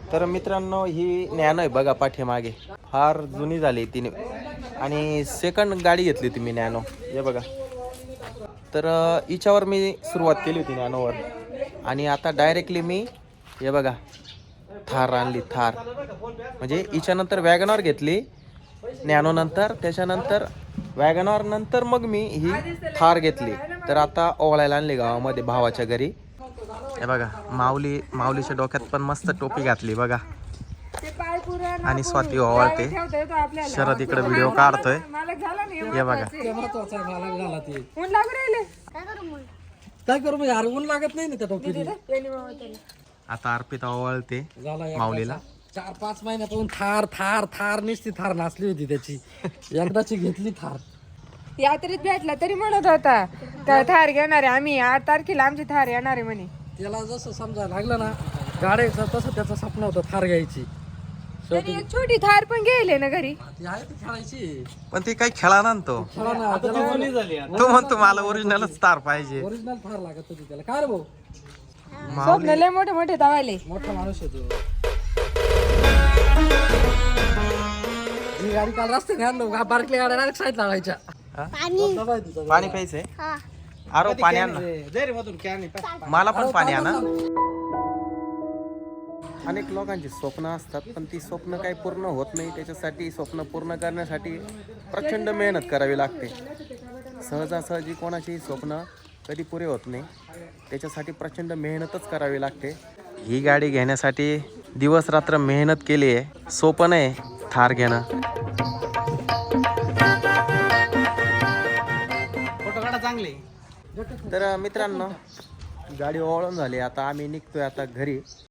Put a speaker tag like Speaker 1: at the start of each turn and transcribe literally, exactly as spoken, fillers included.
Speaker 1: तर मित्रांनो ही नॅनो आहे बघा पाठीमागे, फार जुनी झाली तिने आणि सेकंड गाडी घेतली होती मी नॅनो, हे बघा. तर अ, हिच्यावर मी सुरुवात केली होती नॅनोवर आणि आता डायरेक्टली मी हे बघा थार आणली, थार. म्हणजे हिच्यानंतर वॅगनॉर घेतली नॅनोनंतर, त्याच्यानंतर वॅगनॉर नंतर मग मी ही थार घेतली. तर आता ओवाळायला आणली गावामध्ये भावाच्या घरी. हे बघा माऊली, माऊलीच्या डोक्यात पण मस्त टोपी घातली बघा. आणि स्वाती ओवाळते, शरद इकडे व्हिडिओ काढतोय, हे बघा.
Speaker 2: काय करू यार, ऊन लागत नाही ना त्या टोपीला.
Speaker 1: आता अर्पिता ओवाळते माऊलीला.
Speaker 2: चार पाच महिन्यापासून थार थार थार नुसती थार नाचली होती त्याची, एकदाची घेतली थार.
Speaker 3: यात्रेत भेटला तरी म्हणत होता का थार घेणार आहे आम्ही, आठ तारखेला आमची थार येणार आहे म्हणे.
Speaker 2: त्याला जसं समजायला लागलं ना गाड्याचं, तसं त्याचं स्वप्न होतं थार घ्यायची.
Speaker 3: तरी एक छोटी थार पण गेले ना घरी.
Speaker 2: ती आहे ती खेळायची,
Speaker 1: पण ती काही खेळा ना तो
Speaker 2: खेळा ना.
Speaker 1: तो म्हणतो मला ओरिजिनलच तार पाहिजे.
Speaker 2: ओरिजिनल थार लागत होती त्याला. काय रे भाऊ,
Speaker 3: स्वप्न लय मोठे मोठे तवाले.
Speaker 2: मोठा माणूस आहे तो. ही गाडी काल रस्त्याने आणलो, बारकल्या गाड्या डायरेक्ट साईड लावायच्या.
Speaker 1: पाणी प्यायचंय, अरे पाणी आण ना. मला पण पाणी आणा. अनेक लोकांची स्वप्न असतात पण ती स्वप्न काही पूर्ण होत नाही. त्याच्यासाठी स्वप्न पूर्ण करण्यासाठी प्रचंड मेहनत करावी लागते. सहजासहजी कोणाची स्वप्न कधी पुरे होत नाही, त्याच्यासाठी प्रचंड मेहनतच करावी लागते. ही गाडी घेण्यासाठी दिवस रात्र मेहनत केली आहे. सोपं नाही थार घेणं.
Speaker 4: फोटो काढा चांगले.
Speaker 1: तर मित्रांनो गाडी ओळून झाली, आता आम्ही निघतोय आता घरी.